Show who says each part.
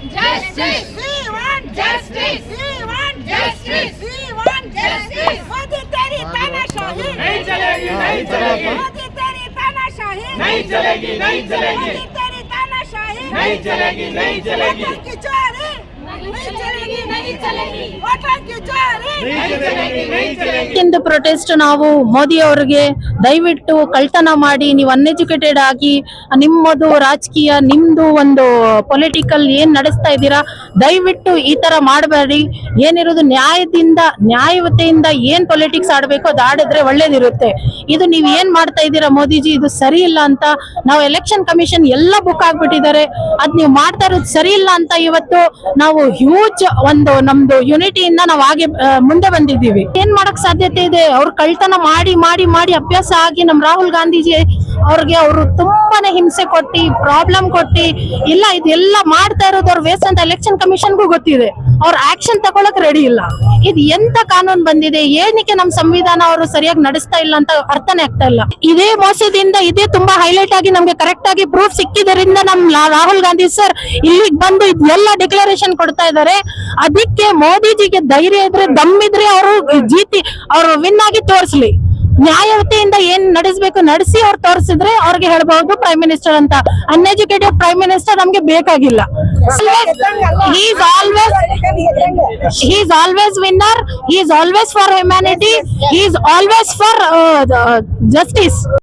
Speaker 1: Justice. We want justice. We want justice. We want justice. Modi तेरी तानाशाही
Speaker 2: नहीं चलेगी, नहीं चलेगी,
Speaker 1: मोदी तेरी तानाशाही
Speaker 2: नहीं चलेगी, नहीं चलेगी,
Speaker 1: मोदी तेरी तानाशाही
Speaker 2: नहीं चलेगी, नहीं चलेगी,
Speaker 1: वोटों की चोरी नहीं चलेगी, नहीं चलेगी, वोटों की चोरी
Speaker 2: नहीं चलेगी, नहीं चलेगी।
Speaker 3: ಇಂದು ಪ್ರೊಟೆಸ್ಟ್ ನಾವು ಮೋದಿ ಅವರಿಗೆ ದಯವಿಟ್ಟು ಕಳ್ತನ ಮಾಡಿ ನೀವು ಅನ್ಎಜುಕೇಟೆಡ್ ಆಗಿ ನಿಮ್ಮದು ರಾಜಕೀಯ ನಿಮ್ದು ಒಂದು ಪೊಲಿಟಿಕಲ್ ಏನ್ ನಡೆಸ್ತಾ ಇದ್ದೀರಾ ದಯವಿಟ್ಟು ಈ ತರ ಮಾಡಬೇಡಿ. ಏನಿರೋದು ನ್ಯಾಯದಿಂದ ನ್ಯಾಯವತೆಯಿಂದ ಏನ್ ಪೊಲಿಟಿಕ್ಸ್ ಆಡ್ಬೇಕು ಅದು ಆಡಿದ್ರೆ ಒಳ್ಳೇದಿರುತ್ತೆ. ಇದು ನೀವ್ ಏನ್ ಮಾಡ್ತಾ ಇದ್ದೀರಾ ಮೋದಿಜಿ, ಇದು ಸರಿ ಇಲ್ಲ ಅಂತ ನಾವು ಎಲೆಕ್ಷನ್ ಕಮಿಷನ್ ಎಲ್ಲ ಬುಕ್ ಆಗ್ಬಿಟ್ಟಿದ್ದಾರೆ. ಅದ್ ನೀವು ಮಾಡ್ತಾ ಇರೋದು ಸರಿ ಇಲ್ಲ ಅಂತ ಇವತ್ತು ನಾವು ಹ್ಯೂಜ್ ಒಂದು ನಮ್ದು ಯುನಿಟಿಯಿಂದ ನಾವು ಹಾಗೆ ಮುಂದೆ ಬಂದಿದ್ದೀವಿ. ಏನ್ ಮಾಡಕ್ ಸಾಧ್ಯತೆ ಇದೆ? ಅವ್ರು ಕಳ್ತನ ಮಾಡಿ ಮಾಡಿ ಮಾಡಿ ಅಭ್ಯಾಸ ಆಗಿ ನಮ್ ರಾಹುಲ್ ಗಾಂಧೀಜಿ ಅವ್ರಿಗೆ ಅವರು ತುಂಬಾನೇ ಹಿಂಸೆ ಕೊಟ್ಟಿ ಪ್ರಾಬ್ಲಮ್ ಕೊಟ್ಟಿ ಇಲ್ಲ ಇದೆಲ್ಲ ಮಾಡ್ತಾ ಇರೋದು ಅವ್ರ ವೇಸ್ಟ್ ಅಂತ ಎಲೆಕ್ಷನ್ ಕಮಿಷನ್ಗೂ ಗೊತ್ತಿದೆ. ಅವ್ರ ಆಕ್ಷನ್ ತಗೊಳಕ್ ರೆಡಿ ಇಲ್ಲ. ಇದು ಎಂತ ಕಾನೂನು ಬಂದಿದೆ, ಏನಕ್ಕೆ ನಮ್ ಸಂವಿಧಾನ ಅವರು ಸರಿಯಾಗಿ ನಡೆಸ್ತಾ ಇಲ್ಲ ಅಂತ ಅರ್ಥನೇ ಆಗ್ತಾ ಇಲ್ಲ. ಇದೇ ಮೋಸದಿಂದ ಇದೇ ತುಂಬಾ ಹೈಲೈಟ್ ಆಗಿ ನಮ್ಗೆ ಕರೆಕ್ಟ್ ಆಗಿ ಪ್ರೂಫ್ ಸಿಕ್ಕಿದ್ರಿಂದ ನಮ್ ರಾಹುಲ್ ಗಾಂಧಿ ಸರ್ ಇಲ್ಲಿಗೆ ಬಂದು ಇದೆಲ್ಲ ಡಿಕ್ಲರೇಷನ್ ಕೊಡ್ತಾ ಇದ್ದಾರೆ. ಅದಕ್ಕೆ ಮೋದಿಜಿಗೆ ಧೈರ್ಯ ಇದ್ರೆ ದಮ್ಮಿದ್ರೆ ಅವರು ಅವರು ವಿನ್ ಆಗಿ ತೋರಿಸ್ಲಿ. ನ್ಯಾಯವತೆಯಿಂದ ಏನ್ ನಡೆಸಬೇಕು ನಡೆಸಿ ಅವ್ರು ತೋರಿಸಿದ್ರೆ ಅವ್ರಿಗೆ ಹೇಳ್ಬಹುದು ಪ್ರೈಮ್ ಮಿನಿಸ್ಟರ್ ಅಂತ. ಅನ್ಎಜುಕೇಟೆಡ್ ಪ್ರೈಮ್ ಮಿನಿಸ್ಟರ್ ನಮ್ಗೆ ಬೇಕಾಗಿಲ್ಲ. he is always winner, he is always for humanity, he is always for justice.